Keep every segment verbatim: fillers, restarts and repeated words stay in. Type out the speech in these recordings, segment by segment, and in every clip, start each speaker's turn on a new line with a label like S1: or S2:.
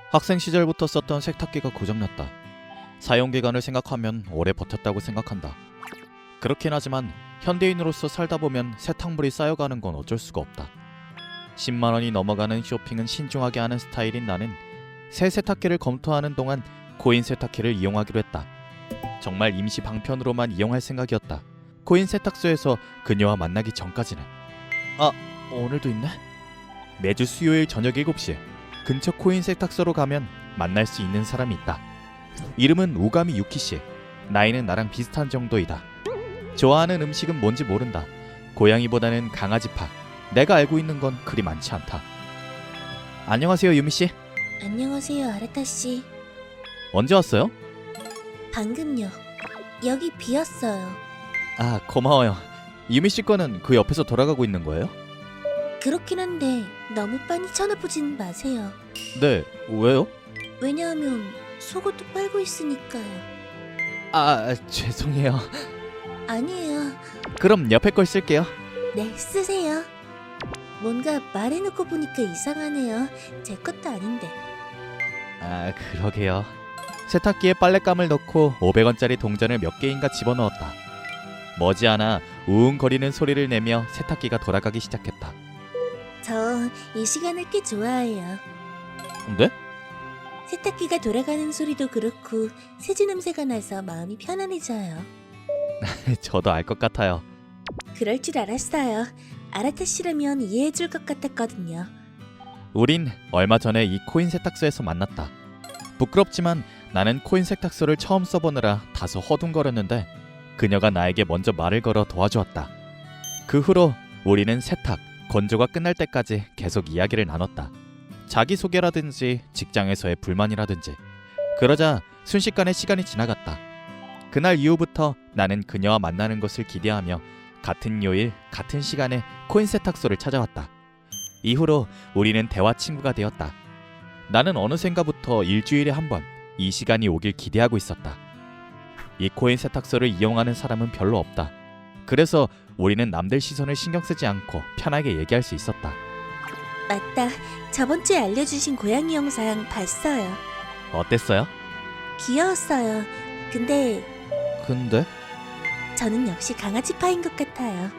S1: 학생 시절부터 썼던 세탁기가 고장났다. 사용기간을 생각하면 오래 버텼다고 생각한다. 그렇긴 하지만 현대인으로서 살다 보면 세탁물이 쌓여가는 건 어쩔 수가 없다. 십만 원이 넘어가는 쇼핑은 신중하게 하는 스타일인 나는 새 세탁기를 검토하는 동안 코인 세탁기를 이용하기로 했다. 정말 임시 방편으로만 이용할 생각이었다. 코인 세탁소에서 그녀와 만나기 전까지는. 아, 오늘도 있네? 매주 수요일 저녁 일곱 시 근처 코인 세탁소로 가면 만날 수 있는 사람이 있다. 이름은 오가미 유키씨. 나이는 나랑 비슷한 정도이다. 좋아하는 음식은 뭔지 모른다. 고양이보다는 강아지파. 내가 알고 있는 건 그리 많지 않다. 안녕하세요, 유미씨.
S2: 안녕하세요, 아라타씨.
S1: 언제 왔어요?
S2: 방금요. 여기 비었어요.
S1: 아, 고마워요. 유미씨 거는 그 옆에서 돌아가고 있는 거예요?
S2: 그렇긴 한데 너무 빤히 쳐다보진 마세요.
S1: 네, 왜요?
S2: 왜냐하면 속옷도 빨고 있으니까요.
S1: 아, 죄송해요.
S2: 아니에요.
S1: 그럼 옆에 걸 쓸게요.
S2: 네, 쓰세요. 뭔가 말해놓고 보니까 이상하네요. 제 것도 아닌데.
S1: 아, 그러게요. 세탁기에 빨랫감을 넣고 오백 원짜리 동전을 몇 개인가 집어넣었다. 머지않아 우웅거리는 소리를 내며 세탁기가 돌아가기 시작했다.
S2: 저 이 시간을 꽤 좋아해요.
S1: 네?
S2: 세탁기가 돌아가는 소리도 그렇고 세제 냄새가 나서 마음이 편안해져요.
S1: 저도 알 것 같아요.
S2: 그럴 줄 알았어요. 아라타씨라면 이해해줄 것 같았거든요.
S1: 우린 얼마 전에 이 코인 세탁소에서 만났다. 부끄럽지만 나는 코인 세탁소를 처음 써보느라 다소 허둥거렸는데 그녀가 나에게 먼저 말을 걸어 도와주었다. 그 후로 우리는 세탁, 건조가 끝날 때까지 계속 이야기를 나눴다. 자기소개라든지 직장에서의 불만이라든지. 그러자 순식간에 시간이 지나갔다. 그날 이후부터 나는 그녀와 만나는 것을 기대하며 같은 요일, 같은 시간에 코인 세탁소를 찾아왔다. 이후로 우리는 대화 친구가 되었다. 나는 어느샌가부터 일주일에 한 번 이 시간이 오길 기대하고 있었다. 이 코인 세탁소를 이용하는 사람은 별로 없다. 그래서 우리는 남들 시선을 신경 쓰지 않고 편하게 얘기할 수 있었다.
S2: 맞다. 저번 주에 알려주신 고양이 영상 봤어요.
S1: 어땠어요?
S2: 귀여웠어요. 근데
S1: 근데?
S2: 저는 역시 강아지파인 것 같아요.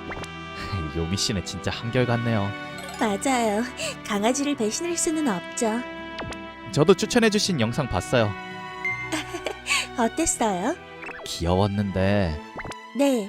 S1: 요미 씨는 진짜 한결같네요.
S2: 맞아요. 강아지를 배신할 수는 없죠.
S1: 저도 추천해주신 영상 봤어요.
S2: 어땠어요?
S1: 귀여웠는데
S2: 네.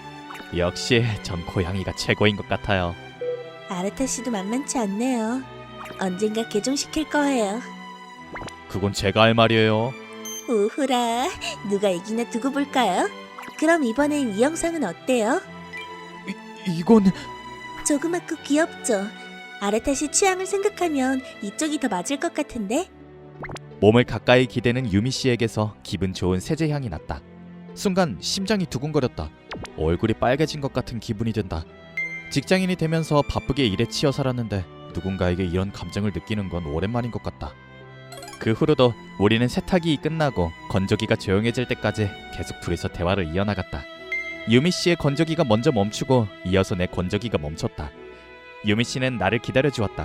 S1: 역시 전 고양이가 최고인 것 같아요.
S2: 아라타씨도 만만치 않네요. 언젠가 개종시킬 거예요.
S1: 그건 제가 할 말이에요.
S2: 우후라. 누가 이기나 두고 볼까요? 그럼 이번엔 이 영상은 어때요?
S1: 이, 이건...
S2: 조그맣고 귀엽죠? 아라타씨 취향을 생각하면 이쪽이 더 맞을 것 같은데?
S1: 몸을 가까이 기대는 유미 씨에게서 기분 좋은 세제 향이 났다. 순간 심장이 두근거렸다. 얼굴이 빨개진 것 같은 기분이 든다. 직장인이 되면서 바쁘게 일에 치여 살았는데 누군가에게 이런 감정을 느끼는 건 오랜만인 것 같다. 그 후로도 우리는 세탁이 끝나고 건조기가 조용해질 때까지 계속 둘이서 대화를 이어나갔다. 유미 씨의 건조기가 먼저 멈추고 이어서 내 건조기가 멈췄다. 유미 씨는 나를 기다려주었다.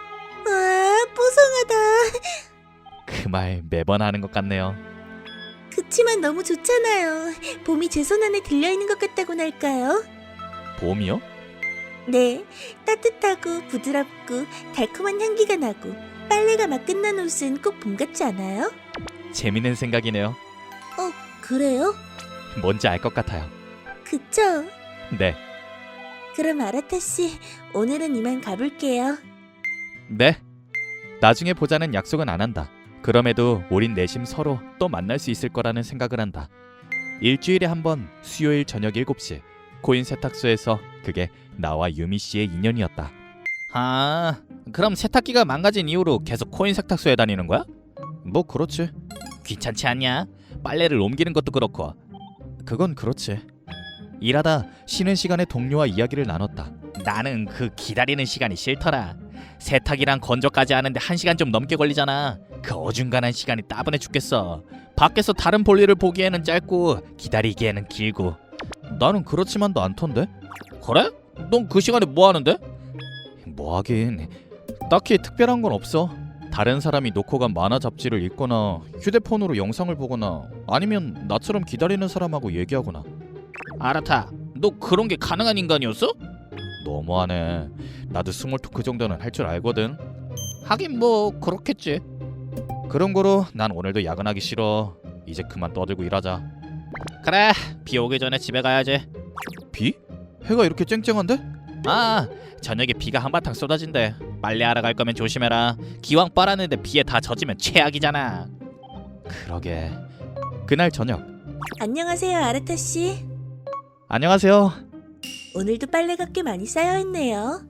S2: 와, 뽀송하다.
S1: 그 말 매번 하는 것 같네요.
S2: 그치만 너무 좋잖아요. 봄이 제 손 안에 들려있는 것 같다고나 할까요?
S1: 봄이요?
S2: 네, 따뜻하고 부드럽고 달콤한 향기가 나고 빨래가 막 끝난 옷은 꼭 봄 같지 않아요?
S1: 재밌는 생각이네요.
S2: 어, 그래요?
S1: 뭔지 알 것 같아요.
S2: 그쵸?
S1: 네.
S2: 그럼 아라타씨, 오늘은 이만 가볼게요.
S1: 네. 나중에 보자는 약속은 안 한다. 그럼에도 우린 내심 서로 또 만날 수 있을 거라는 생각을 한다. 일주일에 한 번 수요일 저녁 일곱 시 코인 세탁소에서 그게 나와 유미 씨의 인연이었다. 아, 그럼 세탁기가 망가진 이후로 계속 코인 세탁소에 다니는 거야? 뭐 그렇지. 귀찮지 않냐? 빨래를 옮기는 것도 그렇고. 그건 그렇지. 일하다 쉬는 시간에 동료와 이야기를 나눴다. 나는 그 기다리는 시간이 싫더라. 세탁이랑 건조까지 하는데 한 시간 좀 넘게 걸리잖아. 그 어중간한 시간이 따분해 죽겠어. 밖에서 다른 볼일을 보기에는 짧고 기다리기에는 길고. 나는 그렇지만도 않던데. 그래? 넌 그 시간에 뭐 하는데? 뭐 하긴 딱히 특별한 건 없어. 다른 사람이 놓고 간 만화 잡지를 읽거나 휴대폰으로 영상을 보거나 아니면 나처럼 기다리는 사람하고 얘기하거나.
S3: 아라타, 너 그런 게 가능한 인간이었어?
S1: 너무하네. 나도 스몰 토크 정도는 할 줄 알거든.
S3: 하긴 뭐 그렇겠지.
S1: 그런 거로 난 오늘도 야근하기 싫어. 이제 그만 떠들고 일하자.
S3: 그래, 비 오기 전에 집에 가야지.
S1: 비? 해가 이렇게 쨍쨍한데?
S3: 아, 저녁에 비가 한바탕 쏟아진대. 빨래하러 갈 거면 조심해라. 기왕 빨았는데 비에 다 젖으면 최악이잖아.
S1: 그러게. 그날 저녁.
S2: 안녕하세요, 아르타 씨.
S1: 안녕하세요.
S2: 오늘도 빨래가 꽤 많이 쌓여 있네요.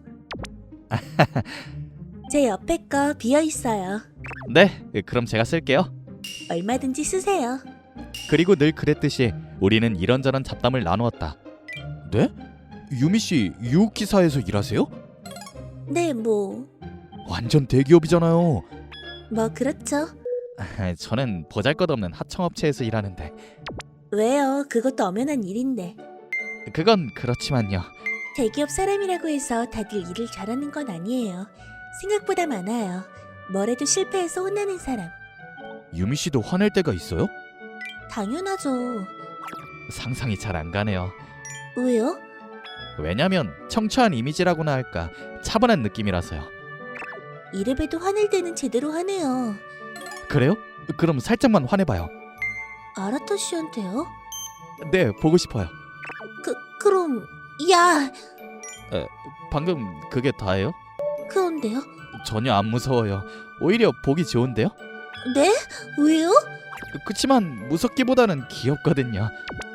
S2: 제 옆에 거 비어 있어요.
S1: 네, 그럼 제가 쓸게요.
S2: 얼마든지 쓰세요.
S1: 그리고 늘 그랬듯이 우리는 이런저런 잡담을 나누었다. 네? 유미 씨 유키사에서 일하세요?
S2: 네, 뭐,
S1: 완전 대기업이잖아요.
S2: 뭐 그렇죠.
S1: 저는 보잘것없는 하청업체에서 일하는데.
S2: 왜요? 그것도 엄연한 일인데.
S1: 그건 그렇지만요.
S2: 대기업 사람이라고 해서 다들 일을 잘하는 건 아니에요. 생각보다 많아요. 뭐래도 실패해서 혼나는 사람.
S1: 유미 씨도 화낼 때가 있어요?
S2: 당연하죠.
S1: 상상이 잘 안 가네요.
S2: 왜요?
S1: 왜냐면 청초한 이미지라고나 할까 차분한 느낌이라서요.
S2: 이래봬도 화낼 때는 제대로 하네요.
S1: 그래요? 그럼 살짝만 화내봐요.
S2: 아라타 씨한테요?
S1: 네, 보고 싶어요.
S2: 그, 그럼, 야!
S1: 방금 그게 다예요?
S2: 그런데요?
S1: 전혀 안 무서워요. 오히려 보기 좋은데요?
S2: 네? 왜요?
S1: 그치만 무섭기보다는 귀엽거든요.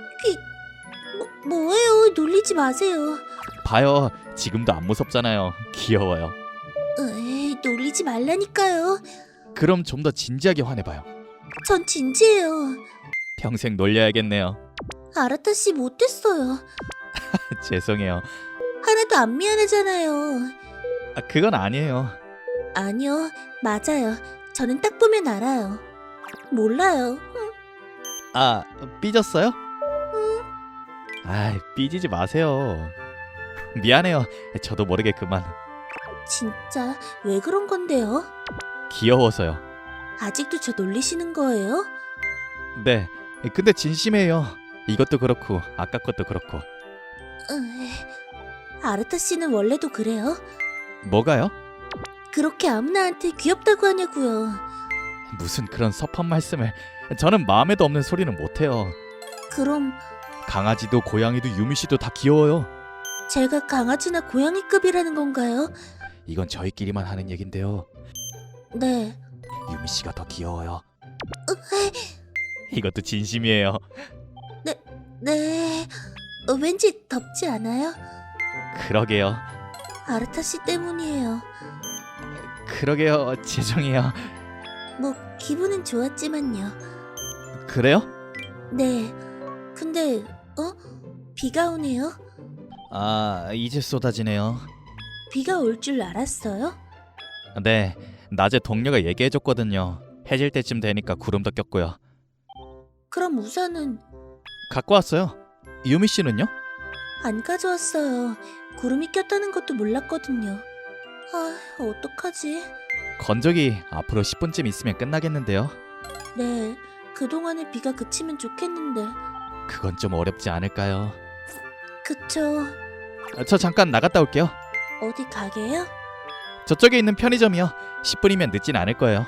S2: 뭐, 뭐예요? 놀리지 마세요.
S1: 봐요, 지금도 안 무섭잖아요. 귀여워요.
S2: 에이, 놀리지 말라니까요.
S1: 그럼 좀 더 진지하게 화내봐요.
S2: 전 진지해요.
S1: 평생 놀려야겠네요.
S2: 아라타 씨 못됐어요.
S1: 죄송해요.
S2: 하나도 안 미안하잖아요.
S1: 아, 그건 아니에요.
S2: 아니요, 맞아요. 저는 딱 보면 알아요. 몰라요.
S1: 아, 삐졌어요? 아, 삐지지 마세요. 미안해요. 저도 모르게 그만.
S2: 진짜 왜 그런 건데요?
S1: 귀여워서요.
S2: 아직도 저 놀리시는 거예요?
S1: 네, 근데 진심이에요. 이것도 그렇고 아까 것도 그렇고.
S2: 으이, 아르타 씨는 원래도 그래요?
S1: 뭐가요?
S2: 그렇게 아무나한테 귀엽다고 하냐고요.
S1: 무슨 그런 섭한 말씀을. 저는 마음에도 없는 소리는 못해요.
S2: 그럼
S1: 강아지도 고양이도 유미씨도 다 귀여워요.
S2: 제가 강아지나 고양이급이라는 건가요?
S1: 이건 저희끼리만 하는 얘긴데요.
S2: 네.
S1: 유미씨가 더 귀여워요.
S2: 으이,
S1: 이것도 진심이에요.
S2: 네. 어, 왠지 덥지 않아요?
S1: 그러게요.
S2: 아르타 씨 때문이에요.
S1: 그러게요. 죄송해요.
S2: 뭐 기분은 좋았지만요.
S1: 그래요?
S2: 네. 근데 어? 비가 오네요.
S1: 아, 이제 쏟아지네요.
S2: 비가 올 줄 알았어요?
S1: 네, 낮에 동료가 얘기해줬거든요. 해질 때쯤 되니까 구름도 꼈고요.
S2: 그럼 우산은
S1: 갖고 왔어요. 유미 씨는요?
S2: 안 가져왔어요. 구름이 꼈다는 것도 몰랐거든요. 아, 어떡하지?
S1: 건조기 앞으로 십 분쯤 있으면 끝나겠는데요.
S2: 네, 그동안에 비가 그치면 좋겠는데.
S1: 그건 좀 어렵지 않을까요?
S2: 그쵸.
S1: 아, 저 잠깐 나갔다 올게요.
S2: 어디 가게요?
S1: 저쪽에 있는 편의점이요. 십 분이면 늦진 않을 거예요.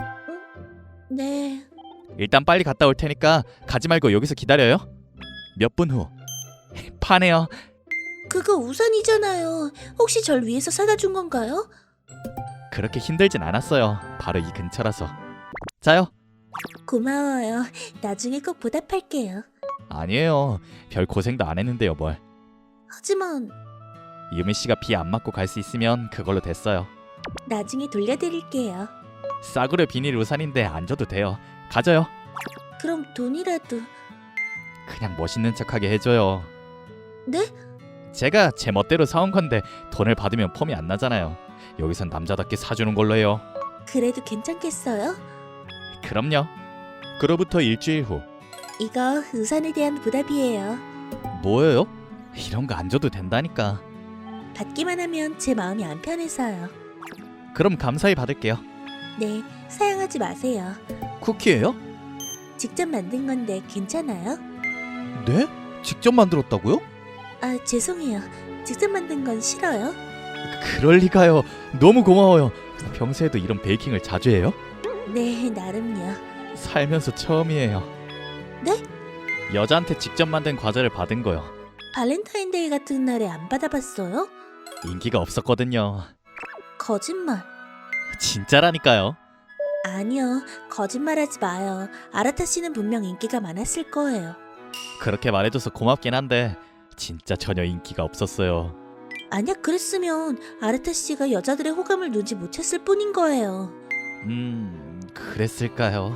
S2: 네.
S1: 일단 빨리 갔다 올 테니까 가지 말고 여기서 기다려요. 몇 분 후. 파네요.
S2: 그거 우산이잖아요. 혹시 절 위해서 사다 준 건가요?
S1: 그렇게 힘들진 않았어요. 바로 이 근처라서. 자요.
S2: 고마워요. 나중에 꼭 보답할게요.
S1: 아니에요. 별 고생도 안 했는데요, 뭘.
S2: 하지만
S1: 유미 씨가 비 안 맞고 갈 수 있으면 그걸로 됐어요.
S2: 나중에 돌려드릴게요.
S1: 싸구려 비닐 우산인데 안 줘도 돼요. 가져요.
S2: 그럼 돈이라도.
S1: 그냥 멋있는 척하게 해줘요.
S2: 네?
S1: 제가 제 멋대로 사온 건데 돈을 받으면 폼이 안 나잖아요. 여기선 남자답게 사주는 걸로 해요.
S2: 그래도 괜찮겠어요?
S1: 그럼요. 그로부터 일주일 후.
S2: 이거 우산에 대한 보답이에요.
S1: 뭐예요? 이런 거 안 줘도 된다니까.
S2: 받기만 하면 제 마음이 안 편해서요.
S1: 그럼 감사히 받을게요.
S2: 네, 사양하지 마세요.
S1: 쿠키예요?
S2: 직접 만든 건데 괜찮아요?
S1: 네? 직접 만들었다고요?
S2: 아, 죄송해요. 직접 만든 건 싫어요?
S1: 그럴 리가요. 너무 고마워요. 평소에도 이런 베이킹을 자주 해요?
S2: 네, 나름요.
S1: 살면서 처음이에요.
S2: 네?
S1: 여자한테 직접 만든 과자를 받은 거요.
S2: 발렌타인데이 같은 날에 안 받아봤어요?
S1: 인기가 없었거든요.
S2: 거짓말.
S1: 진짜라니까요.
S2: 아니요, 거짓말하지 마요. 아라타 씨는 분명 인기가 많았을 거예요.
S1: 그렇게 말해줘서 고맙긴 한데 진짜 전혀 인기가 없었어요.
S2: 아니야, 그랬으면 아라타 씨가 여자들의 호감을 누지 못했을 뿐인 거예요.
S1: 음... 그랬을까요?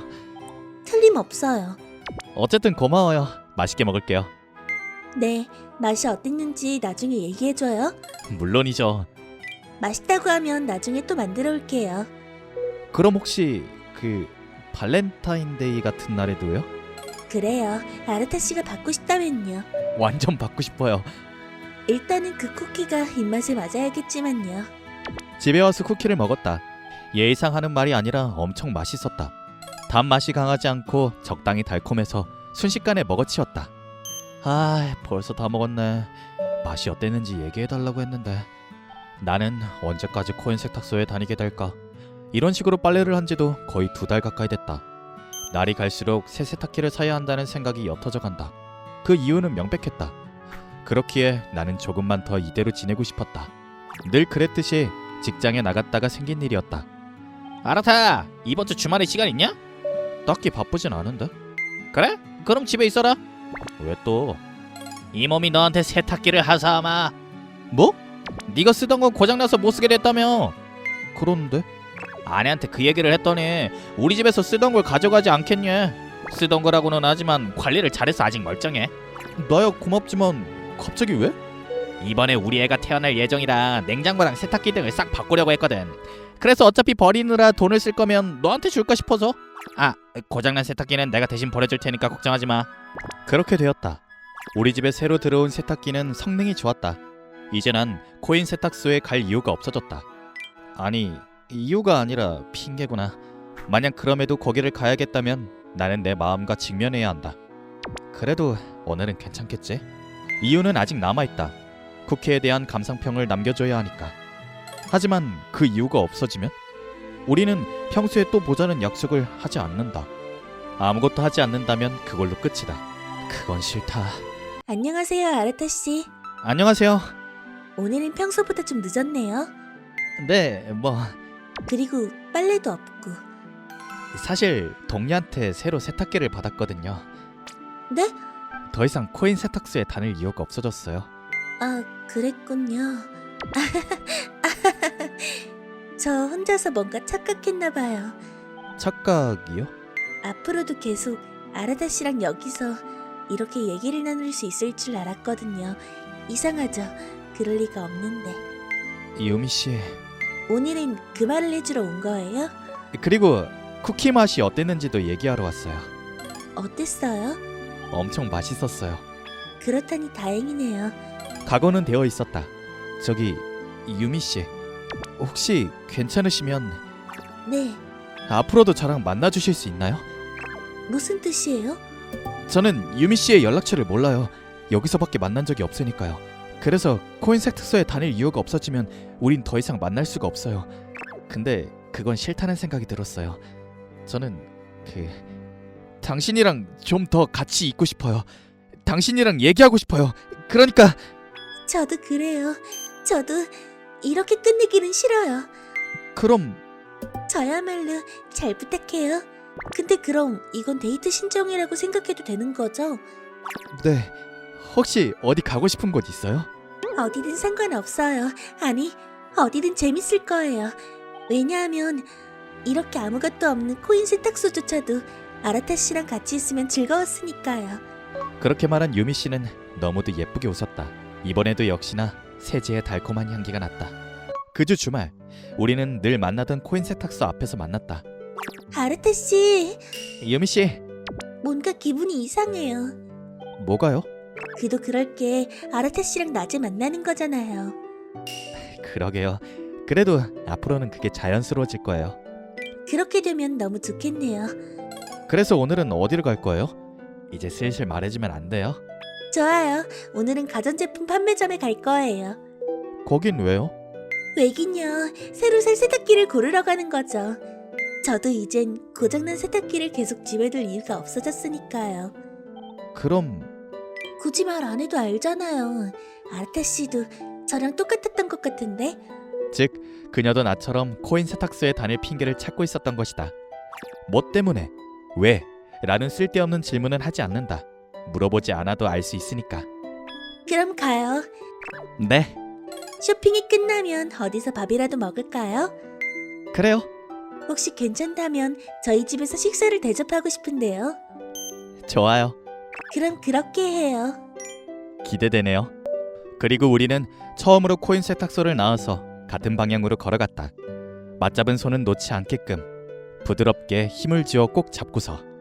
S2: 틀림없어요.
S1: 어쨌든 고마워요. 맛있게 먹을게요.
S2: 네, 맛이 어땠는지 나중에 얘기해줘요.
S1: 물론이죠.
S2: 맛있다고 하면 나중에 또 만들어 올게요.
S1: 그럼 혹시 그 발렌타인데이 같은 날에도요?
S2: 그래요, 아라타 씨가 받고 싶다면요.
S1: 완전 받고 싶어요.
S2: 일단은 그 쿠키가 입맛에 맞아야겠지만요.
S1: 집에 와서 쿠키를 먹었다. 예의상 하는 말이 아니라 엄청 맛있었다. 단맛이 강하지 않고 적당히 달콤해서 순식간에 먹어치웠다. 아, 벌써 다 먹었네. 맛이 어땠는지 얘기해달라고 했는데. 나는 언제까지 코인 세탁소에 다니게 될까? 이런 식으로 빨래를 한 지도 거의 두 달 가까이 됐다. 날이 갈수록 새 세탁기를 사야 한다는 생각이 옅어져 간다. 그 이유는 명백했다. 그렇기에 나는 조금만 더 이대로 지내고 싶었다. 늘 그랬듯이 직장에 나갔다가 생긴 일이었다.
S3: 아라타, 이번 주 주말에 시간 있냐?
S1: 딱히 바쁘진 않은데?
S3: 그래? 그럼 집에 있어라.
S1: 왜 또?
S3: 이 몸이 너한테 세탁기를 하사하마.
S1: 뭐?
S3: 네가 쓰던 건 고장나서 못 쓰게 됐다며.
S1: 그런데?
S3: 아내한테 그 얘기를 했더니 우리 집에서 쓰던 걸 가져가지 않겠냐. 쓰던 거라고는 하지만 관리를 잘해서 아직 멀쩡해.
S1: 나야 고맙지만 갑자기 왜?
S3: 이번에 우리 애가 태어날 예정이라 냉장고랑 세탁기 등을 싹 바꾸려고 했거든. 그래서 어차피 버리느라 돈을 쓸 거면 너한테 줄까 싶어서. 아, 고장난 세탁기는 내가 대신 버려줄 테니까 걱정하지 마.
S1: 그렇게 되었다. 우리 집에 새로 들어온 세탁기는 성능이 좋았다. 이제 난 코인 세탁소에 갈 이유가 없어졌다. 아니, 이유가 아니라 핑계구나. 만약 그럼에도 거기를 가야겠다면 나는 내 마음과 직면해야 한다. 그래도 오늘은 괜찮겠지? 이유는 아직 남아있다. 쿠키에 대한 감상평을 남겨줘야 하니까. 하지만 그 이유가 없어지면 우리는 평소에 또 보자는 약속을 하지 않는다. 아무것도 하지 않는다면 그걸로 끝이다. 그건 싫다.
S2: 안녕하세요, 아라타 씨.
S1: 안녕하세요.
S2: 오늘은 평소보다 좀 늦었네요.
S1: 네, 뭐
S2: 그리고 빨래도 없고.
S1: 사실 동료한테 새로 세탁기를 받았거든요.
S2: 네?
S1: 더 이상 코인 세탁소에 다닐 이유가 없어졌어요.
S2: 아, 그랬군요. 저 혼자서 뭔가 착각했나 봐요.
S1: 착각이요?
S2: 앞으로도 계속 아라타 씨랑 여기서 이렇게 얘기를 나눌 수 있을 줄 알았거든요. 이상하죠? 그럴 리가 없는데.
S1: 유미 씨.
S2: 오늘은 그 말을 해주러 온 거예요?
S1: 그리고 쿠키 맛이 어땠는지도 얘기하러 왔어요.
S2: 어땠어요?
S1: 엄청 맛있었어요.
S2: 그렇다니 다행이네요.
S1: 각오는 되어 있었다. 저기 유미 씨, 혹시 괜찮으시면
S2: 네,
S1: 앞으로도 저랑 만나 주실 수 있나요?
S2: 무슨 뜻이에요?
S1: 저는 유미 씨의 연락처를 몰라요. 여기서밖에 만난 적이 없으니까요. 그래서 코인 세탁소에 다닐 이유가 없어지면 우린 더 이상 만날 수가 없어요. 근데 그건 싫다는 생각이 들었어요. 저는 그 당신이랑 좀 더 같이 있고 싶어요. 당신이랑 얘기하고 싶어요. 그러니까
S2: 저도 그래요. 저도 이렇게 끝내기는 싫어요.
S1: 그럼
S2: 저야말로 잘 부탁해요. 근데 그럼 이건 데이트 신청이라고 생각해도 되는 거죠?
S1: 네. 혹시 어디 가고 싶은 곳 있어요?
S2: 어디든 상관없어요. 아니, 어디든 재밌을 거예요. 왜냐하면 이렇게 아무것도 없는 코인 세탁소조차도 아라타 씨랑 같이 있으면 즐거웠으니까요.
S1: 그렇게 말한 유미 씨는 너무도 예쁘게 웃었다. 이번에도 역시나 세제의 달콤한 향기가 났다. 그 주 주말, 우리는 늘 만나던 코인 세탁소 앞에서 만났다.
S2: 아라타 씨,
S1: 유미 씨,
S2: 뭔가 기분이 이상해요.
S1: 뭐가요?
S2: 그도 그럴 게 아라타 씨랑 낮에 만나는 거잖아요.
S1: 그러게요. 그래도 앞으로는 그게 자연스러워질 거예요.
S2: 그렇게 되면 너무 좋겠네요.
S1: 그래서 오늘은 어디로 갈 거예요? 이제 슬슬 말해주면 안 돼요?
S2: 좋아요. 오늘은 가전제품 판매점에 갈 거예요.
S1: 거긴 왜요?
S2: 왜긴요. 새로 살 세탁기를 고르러 가는 거죠. 저도 이젠 고장난 세탁기를 계속 집에 둘 이유가 없어졌으니까요.
S1: 그럼
S2: 굳이 말 안 해도 알잖아요. 아르타 씨도 저랑 똑같았던 것 같은데.
S1: 즉 그녀도 나처럼 코인 세탁소에 다닐 핑계를 찾고 있었던 것이다. 뭐 때문에? 왜? 라는 쓸데없는 질문은 하지 않는다. 물어보지 않아도 알 수 있으니까.
S2: 그럼 가요.
S1: 네,
S2: 쇼핑이 끝나면 어디서 밥이라도 먹을까요?
S1: 그래요.
S2: 혹시 괜찮다면 저희 집에서 식사를 대접하고 싶은데요.
S1: 좋아요.
S2: 그럼 그렇게 해요.
S1: 기대되네요. 그리고 우리는 처음으로 코인 세탁소를 나와서 같은 방향으로 걸어갔다. 맞잡은 손은 놓지 않게끔 부드럽게 힘을 쥐어 꼭 잡고서